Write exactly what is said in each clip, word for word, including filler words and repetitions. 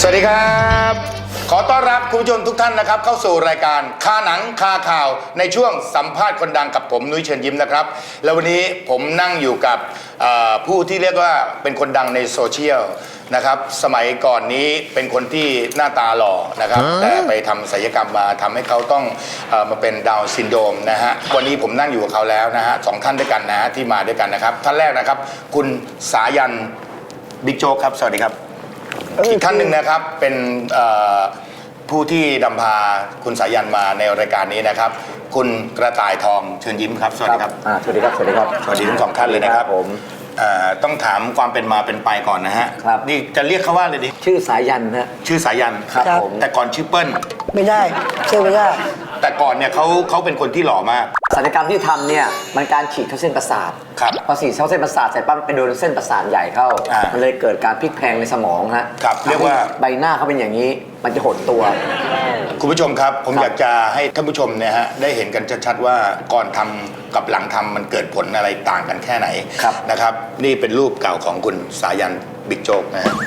วัสดีครับขอต้อนรับคุณผู้ชมทุกท่านนะครับเข้าสู่รายการคาหนังคาข่าวในช่วงสัมภาษณ์คนดังกับผมนุ้ยเชิญยิ้มนะครับแล้ววันนี้ผมนั่งอยู่กับผู้ที่เรียกว่าเป็นคนดังในโซเชียลนะครับสมัยก่อนนี้เป็นคนที่หน้าตาหล่อนะครับแต่ไปทำศัลยกรรมมาทำให้เขาต้องเอ่อมาเป็นดาวน์ซินโดรมนะฮะวันนี้ผมนั่งอยู่กับเขาแล้วนะฮะสองท่านด้วยกันนะฮะที่มาด้วยกันนะครับท่านแรกนะครับคุณสายันบิ๊กโจ๊กครับสวัสดีครับอีกท่านหนึ่งนะครับเป็นผู้ที่นำพาคุณสายันมาในรายการนี้นะครับคุณกระต่ายทองเชิญยิ้มครับสวัสดีครับสวัสดีครับสวัสดีครับสวัสดีทั้งสองท่านเลยนะครับผมต้องถามความเป็นมาเป็นไปก่อนนะฮะนี่จะเรียกเขาว่าอะไรดีชื่อสายันฮะชื่อสายันครับผมแต่ก่อนชื่อเปิ้ลไม่ได้ชื่อไม่ได้แต่ก่อนเนี่ยเขาเขาเป็นคนที่หล่อมากศัลยกรรมที่ทำเนี่ยมันการฉีดเข้าเส้นประสาทครับพอฉีดเข้าเส้นประสาทเสร็จปั๊บไปโดนเส้นประสาทใหญ่เข้ามันเลยเกิดการพลิกแพลงในสมองฮะครับเรียกว่าใบหน้าเขาเป็นอย่างนี้มันจะหดตัวคุณผู้ชมครับผมอยากจะให้ท่านผู้ชมเนี่ยฮะได้เห็นกันชัดๆว่าก่อนทำกับหลังทำมันเกิดผลอะไรต่างกันแค่ไหนนะครับนี่เป็นรูปเก่าของคุณสายันบิ๊กโจ๊กนะฮะ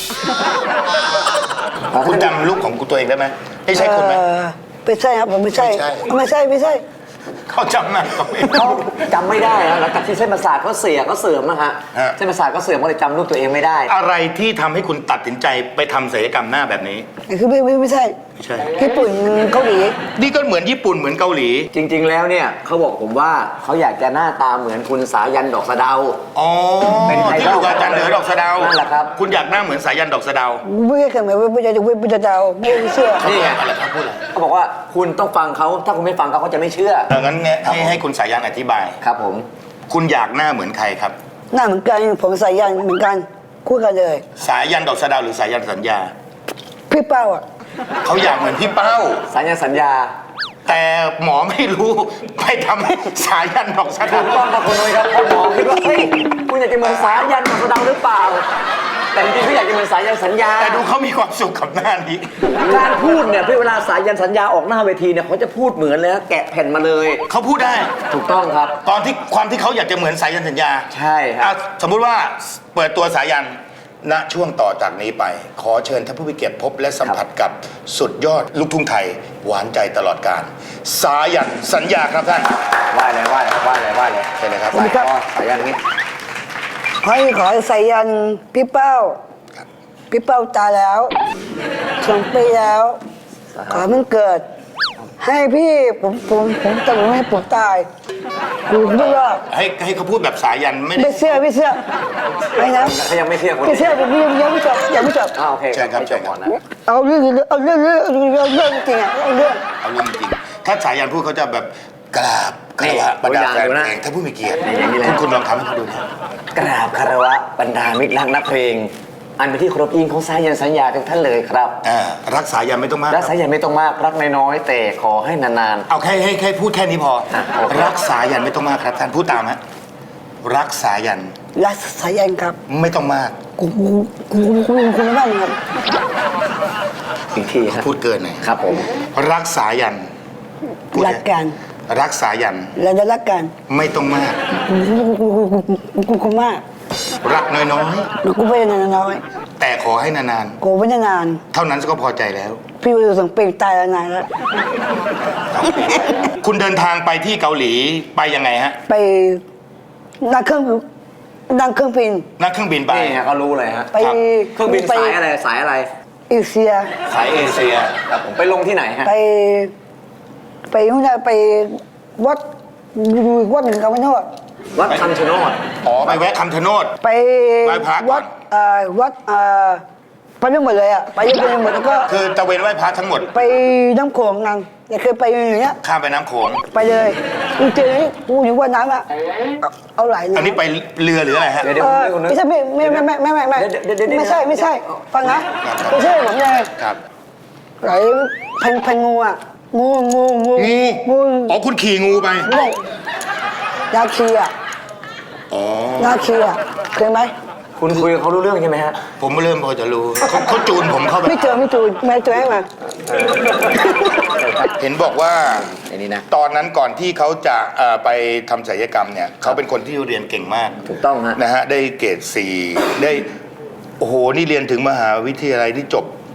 คุณจำรูปของตัวเองได้ไหมไม่ใช่คุณไหมไม่ใช่ครับผมไม่ใช่ไม่ใช่ไม่ใช่เขาจำหน้าเขาไม่เขาจำไม่ได้แล้วหลังจากที่เส้นประสาทเขาเสียเขาเสื่อมนะฮะเส้นประสาทเขาเสื่อมก็เลยจำรูปตัวเองไม่ได้อะไรที่ทำให้คุณตัดสินใจไปทำศัลยกรรมหน้าแบบนี้คือไม่ไม่ไม่ใช่ไม่ใช่ญี่ปุ่นเกาหลีนี่ก็เหมือนญี่ปุ่นเหมือนเกาหลีจริงๆแล้วเนี่ยเขาบอกผมว่าเขาอยากจะหน้าตาเหมือนคุณสายันดอกสะเดาอ๋อเป็นที่อยู่กับอาจารย์เหนือดอกสะเดานั่นแหละครับคุณอยากหน้าเหมือนสายันดอกสะเดาไม่ใช่เหมือนไม่ใช่ไม่ใช่ดาวไม่เชื่อนี่ไงอะไรครับพูดอะไรเขาบอกว่าคุณต้องฟังเขาถ้าคุณไม่ฟังเขาเขาจะไม่เชื่องั้นให้ให้คุณสายันอธิบายครับผมคุณอยากหน้าเหมือนใครครับหน้าเหมือนกันผมสายันเหมือนกันคู่กันเลยสายันดอกสะเดาหรือสายันสัญญาพี่เป้าอ่ะเขาอยากเหมือนพี่เป้าสายันสัญญาแต่หมอไม่รู้ไปทำให้สายันดอกสะเดาถูกต้องครับคุณนุ้ยครับเพราะหมอคิดว่าเฮ้ยคุณอยากจะเหมือนสายันดอกสะเดาหรือเปล่าแต่จริงๆเขาอยากจะเหมือนสายันสัญญาแต่ดูเขามีความสุขกับหน้านี้การพูดเนี่ยเวลาสายันสัญญาออกหน้าเวทีเนี่ยเขาจะพูดเหมือนเลยแกะแผ่นมาเลยเขาพูดได้ถูกต้องครับตอนที่ความที่เขาอยากจะเหมือนสายันสัญญาใช่ครับสมมุติว่าเปิดตัวสายันณช่วงต่อจากนี้ไปขอเชิญท่านผู้มีเกียรติพบและสัมผัสกับสุดยอดลูกทุ่งไทยหวานใจตลอดกาลสายันสัญญาครับท่านว่าเลยว่าเลยว่าเลยว่าเลยใช่เลยครับสายันนี้ขอขอสายันพี่เป้าพี่เป้าตายแล้วสองปีแล้วขอมันเกิดให้พี่ผมผมผมแต่ผมไม่ผมตายกูไม่รอดให้ให้เขาพูดแบบสายันไม่ไม่เชื่อไม่เชื่อไม่นะเขายังไม่เชื่อคนไม่เชื่อผมยังไม่จบยังไม่จบอ้าวโอเคใช่ครับใช่ครับเอาเรื่องเอาเรื่องเรื่องเรื่องเรื่องจริงอ่ะเอาเรื่องเอาเรื่องจริงถ้าสายันพูดเขาจะแบบกราบคารวะบรรดาแฟนเพลงถ้าผู้มีเกียรติคุณคุณลองทำให้เขาดูนะกราบคารวะบรรดามิตรรักนักเพลงอันเป็นที่เคารพยิ่งของสายันสัญญาทุกท่านเลยครับรักสายันไม่ต้องมากรักสายันไม่ต้องมากรักน้อยๆแต่ขอให้นานๆเอาแค่ให้แค่พูดแค่นี้พอรักสายันไม่ต้องมากครับท่านพูดตามฮะรักสายันรักสายันครับไม่ต้องมากกูกูกูกูกูไม่บ้างครับอีกทีครับพูดเกินหน่อยครับผมรักสายันรักกันรักสายันแล้วจะรักกันไม่ต้องมากกูกูกูกูกูมากรักน้อยน้อยกูไม่นานน้อยแต่ขอให้นานๆกูไม่นานเท่านั้นก็พอใจแล้วพี่วิวสังเปงตายแล้วนานแล้วคุณเดินทางไปที่เกาหลีไปยังไงฮะไปนั่งเครื่องนั่งเครื่องบินนั่งเครื่องบินไปนี่เขารู้เลยฮะไปเครื่องบินสายอะไรสายอะไรเอเชียสายเอเชียครับผมไปลงที่ไหนฮะไปไปนู่นไปวัดวัดหนึ่งกับวัดโนดวัดคำชะโนดอ๋อไปแวะคำชะโนดไปวัดเอ่อวัดเอ่อไปไม่หมดเลยอ่ะไปยังไปหมดแล้วก็คือตะเวนไหว้พระทั้งหมดไปน้ำโขงนั่งอย่าเคยไปอย่างเงี้ยข้ามไปน้ำโขงไปเลยจริงๆกูอยู่ว่าน้ำอ่ะเอาไหลอันนี้ไปเรือหรืออะไรฮะไม่ใช่ไม่ไม่ไม่ไม่ไม่ไม่ไม่ใช่ไม่ใช่ฟังนะไม่ใช่ผมเลยครับไหลพันพันงูอ่ะงูงูงูงูอ๋อคุณขี่งูไปไม่นาคีอ่ะอ๋อนาคีอ่ะเคยไหมคุณคุยเขารู้เรื่องใช่ไหมฮะผมเริ่มพอจะรู้เขาเขาจูนผมเข้าไปไม่เจอไม่จูนไม่เจอให้มาเห็นบอกว่าอันนี้นะตอนนั้นก่อนที่เขาจะไปทำศัลยกรรมเนี่ยเขาเป็นคนที่เรียนเก่งมากถูกต้องฮะนะฮะได้เกรดสี่ได้โอ้โหนี่เรียนถึงมหาวิทยาลัยที่จบ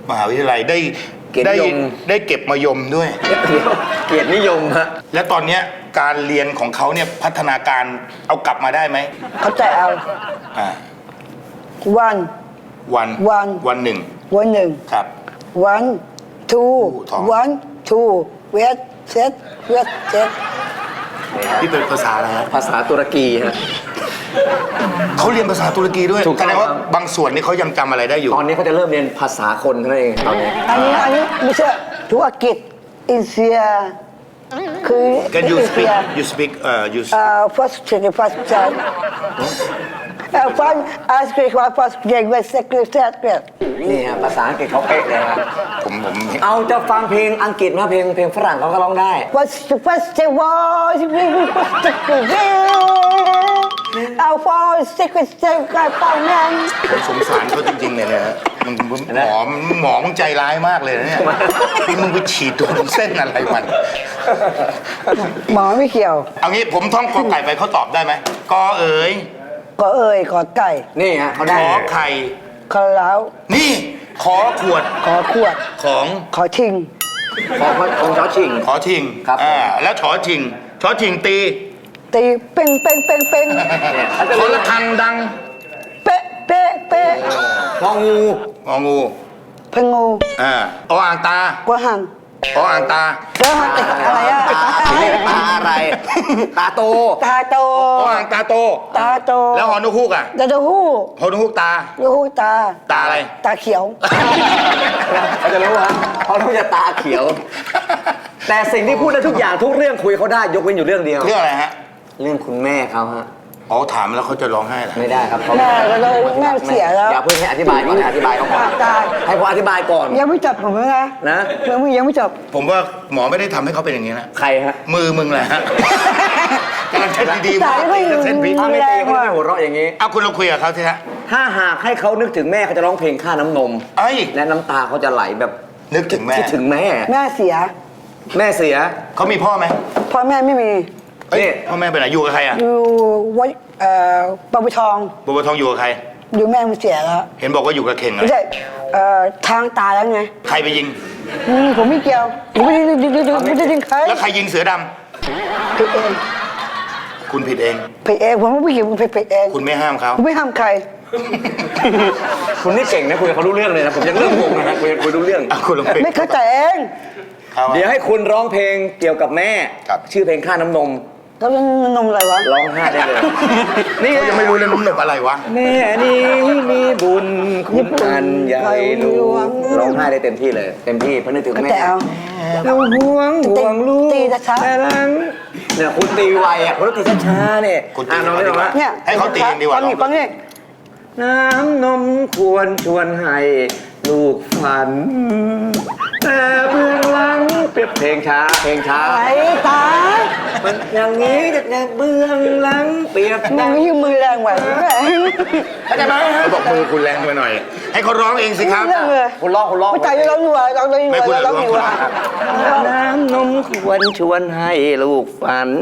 มหาวิทยาลัยได้เกียรติได้นิยมได้เก็บมายมด้วยเดี๋ยวเกียรตินิยมฮะและตอนเนี้ยการเรียนของเขาเนี่ยพัฒนาการเอากลับมาได้ไหมเขาใจเอาอ่าวันวันวันวันหนึ่งวันหนึ่งครับ one two สอง one two wait set wait set ที่เป็นภาษาอะไรฮะภาษาตุรกีฮะเขาเรียนภาษาตุรกีด้วยถูกต้องแสดงว่าบางส่วนนี่เขายังจำอะไรได้อยู่ตอนนี้เขาจะเริ่มเรียนภาษาคนเท่านั้นเองตอนนี้อันนี้อันนี้ไม่ใช่ธุรกิจอินเดียคือ Can you อินเดี speak ย you speak เอ่อ you เอ่อ first check first check เอ่อ first ask me first check with secretary นี่ฮะภาษาอังกฤษเขาเป๊ะเลยครับผมผมเอาจะฟังเพลงอังกฤษมาเพลงเพลงฝรั่งเขาก็ร้องได้ first first check was first secretary เอา first secretary กับป้องนั้นผมสงสารเขาจริงๆเลยนะฮะมึงมึงหมอหมอมึงใจร้ายมากเลยนะเนี่ยนี่มึงไปฉีดตัวเส้นอะไรมันหมอไม่เกี่ยวเอางี้ผมท่องกอไก่ไปเขาตอบได้ไหมกอเอ๋ยก็เอ่ยขอไก่นี่ฮะเขาขได้อไข่ขอเล้านี่ขอขวดขอขวดของขอทิ้งของของชอชิงขอทิงครับอ่าแล้วชอทิงชอทิงตีตีเป้งเป้งเป้งเป้งเนี่ยเขาจะขอรู้ระฆังดังเป๊ะเป๊ะเป๊ะงองูงองูพงูอ่าออ่างตากวหังออ่างตาเจ้าหังอะไรอะตาตาอะไร ตาโตตาโตออ่างตาโตตาโตแล้วหอนุฮูกอ่ะตาโตหู้หอนุฮูกตาลูกหูตาตาอะไรตาเขียวเขาจะรู้ฮะเขาต้องจะตาเขียว แต่สิ่งที่พูดได้ทุกอย่างทุกเรื่องคุยเขาได้ยกเว้นอยู่เรื่องเดียวเรื่องอะไรฮะเรื่องคุณแม่เขาฮะอ๋อถามแล้วเขาจะร้องไห้เหรอไม่ได้ครับเขาแม่ก็เลยแม่เสียแล้วอย่าเพิ่งให้อธิบายก่อนให้อธิบายเขาก่อนตายให้ผมอธิบายก่อนยังไม่จบผมเลยนะนะยังไม่ยังไม่จบผมว่าหมอไม่ได้ทำให้เขาเป็นอย่างนี้นะใครฮะมือมึงแหละฮะกำลังเช็ดดีๆสายไม่จะเส้นพิษถ้าไม่ตีเขาจะไม่หัวเราะอย่างนี้เอาคุณลองคุยกับเขาสิฮะถ้าหากให้เขานึกถึงแม่เขาจะร้องเพลงค่าน้ำนมเอ้ยและน้ำตาเขาจะไหลแบบนึกถึงแม่คิดถึงแม่แม่เสียแม่เสียเขามีพ่อไหมพ่อแม่ไม่มีเอ้ยนี่พ่อแม่ไปไหนอยู่กับใครอ่ะอยู่วัดเอ่อปะบุทองบัวทองอยู่กับใครอยู่แม่มันเสียแล้วเห็นบอกว่าอยู่กับเข่งเหรไม่อใช่เอ่อทางตายแล้วไงใครไปยิงอืมผมไม่เกี่ยวผมไม่ได้ไม่ได้ไม่ได้ยิงใครแล้วใครยิงเสือดำผิดเองคุณผิดเองผิดเองผมไม่เกี่ยวผมผิดเองคุณไม่ห้ามเขาผมไม่ห้ามใครคุณนี่เก่งนะคุยกับเขารู้เรื่องเลยนะผมยังเริ่มงงนะฮะคุยคุยรู้เรื่องอ่ะคุณลองคุยไม่เข้าใจเองเขาเดี๋ยวให้คุณร้องเพลงเกี่ยวกับแม่ครับชื่อเพลงค่าน้ำนมแล้วมันนมอะไรวะร้องไห้ได้เลย นี่เขายังไม่รู้เลยนุ่มหนึบอะไรวะแม่นี้มีบุญคุณอันใหญ่หลวงร้องไห้ได้เต็มที่เลย เต็มที่เพราะนึกถึงก็แม่แต่เอาเราห่วงห่วงลูกตีช้าๆแต่หลังเนี่ยคุณตีไวอ่ะคุณต้องตีช้าๆเนี่ยคุณตีอ่ะน้องไม่ดีร้องกว่าละเนี่ยให้เขาตีเองดีกว่าฟังนี่ฟังนี่น้ำนมควรชวนให้ลูกฝัน แต่เบื้องหลังเปรียบเพลงช้าเพลงช้าไอ้ตายมันอย่างนี้แต่เบื้องหลังเปรียบมันไม่ยืมมือแรงไหวแม่เข้าใจไหมเขาบอกมือคุณแรงไปหน่อย ให้เขาร้องเองสิครับเรื่องเลยคุณร้องคุณร้องไม่ใจร้องดีกว่าร้องดีกไม่ว่าคุณร้องดีกว่าร้องน้ำนมควรชวนให้ลูกฝัน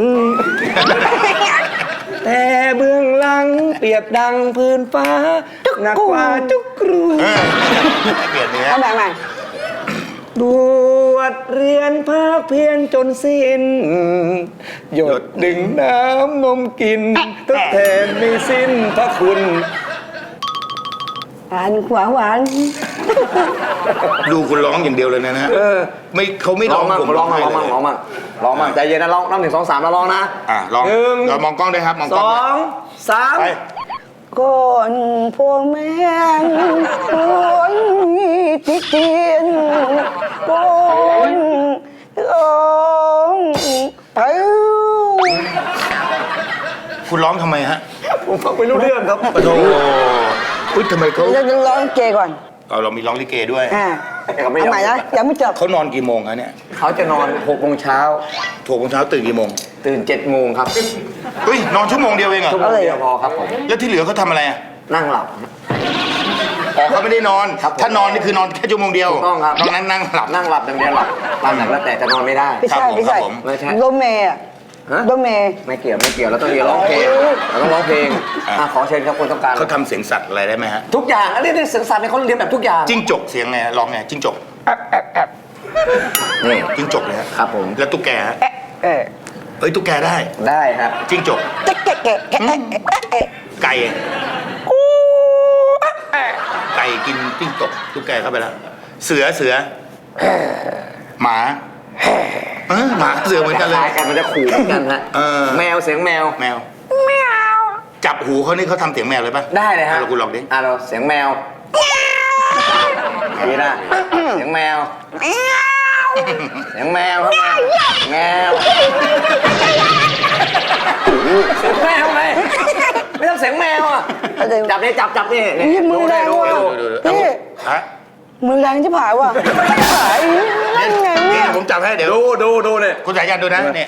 แต่เบื้องหลังเปรียบดังพื้นฟ้าหนักกว่าจุกรูเออให้เปลี่ยนเนื้อเอาใหม่ใหม่บวชเรียนภาคเพียนจนสิ้น หยดดึงน้ำนมกินทดแทนไม่สิ้นพระคุณหวานหวานหวานดูคุณร้องอย่างเดียวเลยนะฮะเออไม่เขาไม่ร้ร้ออง งมั่งผมร้องมั่งให้ร้องเลมั่งยร้องมั่งร้องมั่งใจเย็นนะร้องนับหนึ่งสองสามแล้วร้องนะอ่ะลองหนึ่งเรามองกล้องด้วยครับ มองกสล้ององสามไปก่อนพ่อแม่คนติเตียนก่อนร้องไปคุณร้องทำไมฮะผมฟังไม่รู้เรื่องครับปะโถอุ้ยทำไมเขาเราจะร้องเกก่อนเอาเรามีร้องลิเกด้วยอ่าเขาไม่ยอเอามใหม่นะยังไม่จบเขานอนกี่โมงคะเนี่ยเขาจะนอนหกโมงเช้าถูกของเช้าตื่นกี่โมงตื่นเจ็ดโมงครับเฮ้ยนอนชั่วโมงเดียวเองเหรอชั่วโมงเดียวพอครับผมแล้วที่เหลือเขาทำอะไรอ่ะนั่งหลับอ๋อเขาไม่ได้นอนครับผมถ้านอนนี่คือนอนแค่ชั่วโมงเดียวถูกต้องครับนอกนั้นนั่งหลับนั่งหลับอย่างเดียวหลับหลับหนักแล้วแต่จะนอนไม่ได้ไม่ใช่ครับผมไม่ใช่ครับผมไม่ใช่โดเมย์อะฮะโดเมย์ไม่เกี่ยวไม่เกี่ยวแล้วต้องเรียนร้องเพลงเราต้องร้องเพลงอ่ะอ่ะขอเชิญครับคนต้องการเขาทำเสียงสัตว์อะไรได้ไหมฮะทุกอย่างอันนี้เสียงสัตว์ในยเขาเรียนแบบทุกอย่างจิ้งจกเสียงไงร้องไงจิ้งจกนี่จิ้งจกเลยฮะครับผมแล้วตุ๊กแกฮะเออเฮ้ยตุ๊กแกได้ได้ครับจิ้งจกแกะแกะแกะแกะแกะแกะไก่ไก่กินจิ้งจกตุ๊กแกเข้าไปแล้ว เสือเสือหมาเออหมาเสือเหมือนกันเลยคล้ายกันมันจะขู่เหมือนกันฮะเออแมวเสียงแมวแมวจับหูเขานี่เขาทำเสียงแมวเลยป่ะได้เลยฮะอ่เราคุณลองดิอ่ะเราเสียงแมวนี่นะเสียงแมวเสียงแมวครับแมวเสียงแมวไงไม่ต้องเสียงแมวอ่ะจับนี่จับจับนี่นี่นี่มือดูแรได้งดูว่ะดูดูดูนี่ฮะมือแรงที่ผายว่ะผายนั่นไงนี่เนี่ยผมจับให้เดี๋ยวดูดูดูเนี่ยคุณสายันดูนะนี่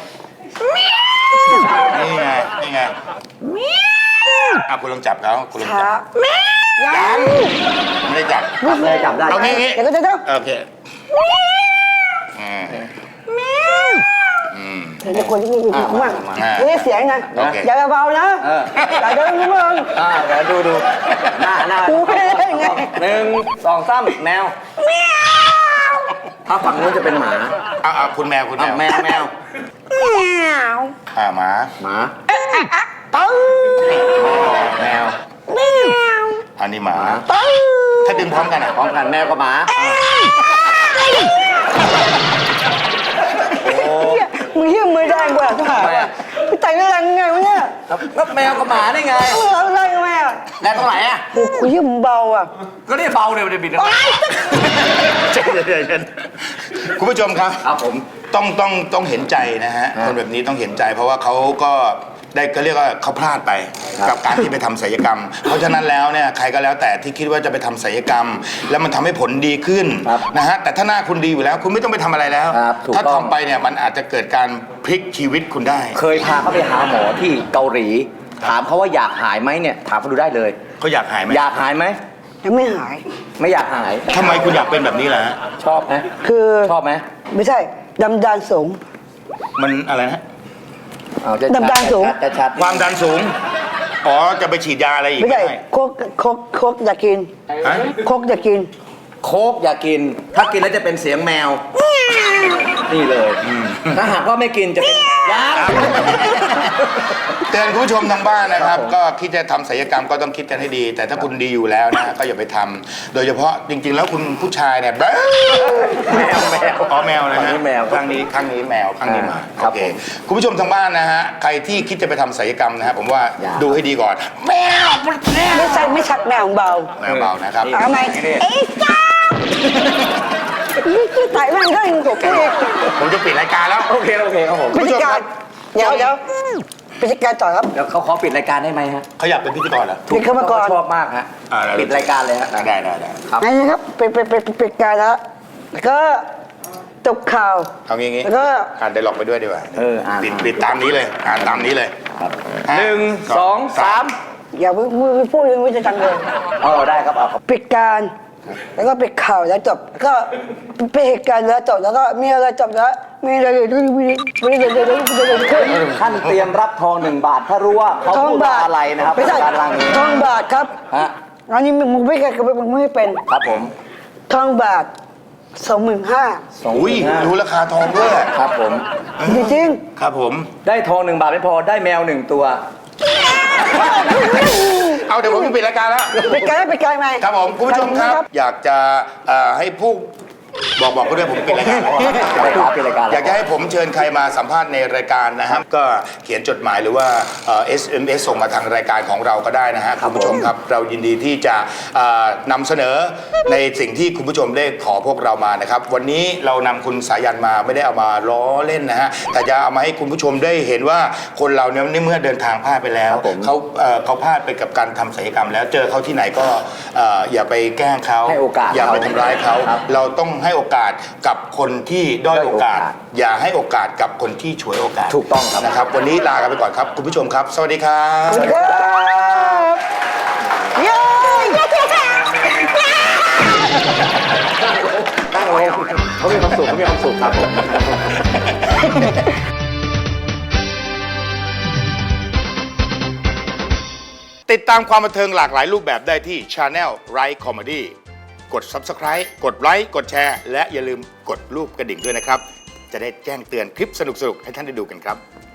นี่ไงนี่ไงอ่ะคุณลองจับเขาคุณลองช้าจับยังไม่ได้จับจับเลยจับได้เอางี้งี้เดี๋ยวก็จะเดี๋ยวโอเคอืมอืมเดี๋ยวคนที่มีความมากอ่านี่เสียงนะโอเคอย่าเบาๆนะเอออย่าเดินนะมึงอ่าเดี๋ยวดูดูหน้าหน้ากูไม่ได้ไงหนึ่งสองสามแมวถ้าฝั่งนู้นจะเป็นหมาเอาเอาคุณแมวคุณแมอ่ะวแมวแมวอ่าหมาหมาตึ้งแมวอันนี้หมาตึ้งถ้าดึงพร้อมกันอ่ะพร้อมกันแมวกับหมามึงเหี้ยมือแรงกว่าที่ผายว่ะพี่แต่งแรงไงวะเนี่ยก็แมวกับหมาได้ไงมึงเอาแรงไหมอ่ะแรงตรงไหนอ่ะกูกูเหี้ยมึงเบาอ่ะก็นี่เบาเดี๋ยวจะบิดนะเย็นเย็นเย็นคุณผู้ชมครับครับผมต้องต้องต้องเห็นใจนะฮะฮะคนแบบนี้ต้องเห็นใจ เพราะว่าเขาก็ได้ก็เรียกว่าเขาพลาดไปครับกับการที่ไปทำศัลยกรรม เพราะฉะนั้นแล้วเนี่ยใครก็แล้วแต่ที่คิดว่าจะไปทำศัลยกรรม แล้วมันทำให้ผลดีขึ้นครับนะฮะแต่ถ้าหน้าคุณดีอยู่แล้ว คุณไม่ต้องไปทำอะไรแล้วครับถูกถ้าต้องทำไปเนี่ยมันอาจจะเกิดการพลิกชีวิตคุณได้เคยพาเขาไปหาหมอที่เกาหลี ถามเขาว่าอยากหายไหมเนี่ยถามเขาดูได้เลยเขาอยากหายไหมอยากหายไหมยังไม่หายไม่อยากหายทำไมคุณอยากเป็นแบบนี้ล่ะฮะชอบไหมคือชอบไหมไม่ใช่ดำดานสูงมันอะไรนะเอาจะดำดานสูงจะชัดความดันสูงอ๋อจะไปฉีดยาอะไรอีกไม่ใช่ได้โคกโคกโคกอยากกินฮะโคกอยากกินโค้กอย่ากิน ถ้ากินแล้วจะเป็นเสียงแมว นี่เลย ถ้าหากว่าไม่กินจะเป็นยาเตือนคุณผู้ชมทางบ้านนะครับครับผมก็คิดจะทำศัลยกรรมก็ต้องคิดกันให้ดี แต่ถ้าคุณดีอยู่แล้วนะก็อย่าไปทำโดยเฉพาะจริง ๆ แล้วคุณผู้ชายเนี่ยแบ๊วแมวแมวอ๋อแมวนะฝั่งฮะนี้แมวข้างนี้ข้างนี้แมวข้างนี้หมาครับโอเคผมคุณผู้ชมทางบ้านนะฮะใครที่คิดจะไปทำศัลยกรรมนะฮะผมว่าอย่าดูให้ดีก่อน แมวมันแมวไม่ใช่ไม่ชักแมวเบาแมวเบานะครับนี่เอาไหมเอ้ยจ้านี่ไต่แม่งก็ยังถูกพี่ผมจะปิดรายการแล้วโอเคโอเคครับผมพิธีการเดี๋ยวเดี๋ยวพิธีการต่อครับเดี๋ยวเขาขอปิดรายการได้ไหมฮะเขาอยากเป็นพิธีกรเหรอปิดเข้ามาก่อนเขชอบมากฮะอ่าได้ปิดรายการเลยฮะได้ได้ได้ได้ครับอันนี้ครับเป็นเป็นเป็นเป็นการแล้วแล้วก็จบข่าวเอางี้งี้แล้วก็อ่านได้หลอกไปด้วยดีกว่าเอออ่านปิดปิดตามนี้เลยอ่านตามนี้เลยครับห้าหนึ่งสองสามอย่าเพิ่งพูดเรื่องวิจารณ์เลยเออได้ครับเอาครับปิดการแล้วก็ปิดข่าวแล้วจบแล้วก็เป็นเหตุการณ์แล้วจบแล้วก็มีอะไรจบแล้วมีอะไรด้วยวิวิวิวิวิท่านเตรียมรับทองหนึ่งบาท ถ้ารู้ว่าเขาทองพูดว่าบาทอะไรนะครับไม่ใช่การล่างนี้ทองบาทครับฮะอันนี้มึงไม่เคยมึงไม่เป็นครับผมทองบาทสองหมื่นห้าสองหอุ้มื่ยนห้ารู้ราคาทองด้วยครับผมจริงครับผมได้ทองหนึ่งบาทไม่พอได้แมวหนึ่งตัวเอาเดี๋ยวผมจะปิดรายการแล้วๆปิดการปิดการไหมครับผมคุณผู้ชมครับ อยากจะเอ่อให้ผู้บอกบอกเขาด้วยผมปิดรายการไปครับปิดรายการแล้วอยากจะให้ผมเชิญใครมาสัมภาษณ์ในรายการนะครับ ก็เขียนจดหมายหรือว่าเอ่อ เอส เอ็ม เอส ส่งมาทางรายการของเราก็ได้นะฮะคุณผู้ชมครับ เรายินดีที่จะเอ่อนำเสนอในสิ่งที่คุณผู้ชมได้ขอพวกเรามานะครับ วันนี้เรานำคุณสายันมาไม่ได้เอามาล้อเล่นนะฮะแต่จะเอามาให้คุณผู้ชมได้เห็นว่าคนเราเนี่ยในเมื่อเดินทางพลาดไปแล้วครับผมเขาเอ่อเขาพลาดไปกับการทำศัลยกรรม แล้วเจอเขาที่ไหนก็เอ่ออย่าไปแกล้งเขาให้โอกาสอย่าไปเขาทำร้ายเขาครับเราต้องให้โอกาสกับคนที่ด้อยโอกาสด้อยโอกาสอย่าให้โอกาสกับคนที่ฉวยโอกาสถูกต้องครับนะครับ วันนี้ลากันไปก่อนครับ คุณผู้ชมครับ สวัสดีครับครับเย้ตั้งไว้เขามีความสุขเขามีความสุขครับผมติดตามความบันเทิงหลากหลายรูปแบบได้ที่ Channel Right Comedy กด Subscribe กดไลค์กดแชร์และอย่าลืมกดรูปกระดิ่งด้วยนะครับ จะได้แจ้งเตือนคลิปสนุกๆให้ท่านได้ดูกันครับ